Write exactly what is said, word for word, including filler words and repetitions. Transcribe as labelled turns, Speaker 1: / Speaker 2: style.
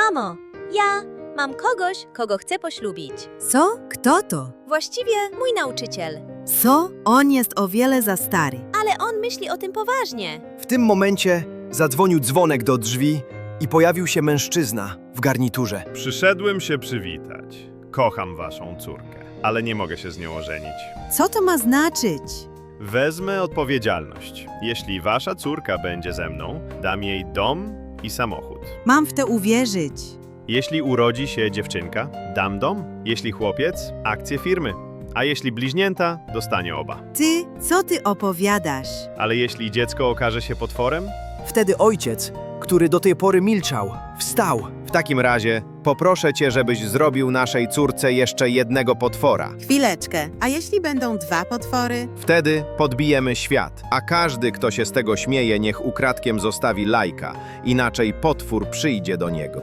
Speaker 1: Mamo, ja mam kogoś, kogo chcę poślubić.
Speaker 2: Co? Kto to?
Speaker 1: Właściwie mój nauczyciel.
Speaker 2: Co? On jest o wiele za stary.
Speaker 1: Ale on myśli o tym poważnie.
Speaker 3: W tym momencie zadzwonił dzwonek do drzwi i pojawił się mężczyzna w garniturze.
Speaker 4: Przyszedłem się przywitać. Kocham waszą córkę, ale nie mogę się z nią ożenić.
Speaker 2: Co to ma znaczyć?
Speaker 4: Wezmę odpowiedzialność. Jeśli wasza córka będzie ze mną, dam jej dom i samochód.
Speaker 2: Mam w to uwierzyć.
Speaker 4: Jeśli urodzi się dziewczynka, dam dom. Jeśli chłopiec, akcje firmy. A jeśli bliźnięta, dostanie oba.
Speaker 2: Ty, co ty opowiadasz?
Speaker 4: Ale jeśli dziecko okaże się potworem?
Speaker 3: Wtedy ojciec, który do tej pory milczał, wstał.
Speaker 5: W takim razie poproszę cię, żebyś zrobił naszej córce jeszcze jednego potwora.
Speaker 6: Chwileczkę, a jeśli będą dwa potwory?
Speaker 5: Wtedy podbijemy świat, a każdy, kto się z tego śmieje, niech ukradkiem zostawi lajka, inaczej potwór przyjdzie do niego.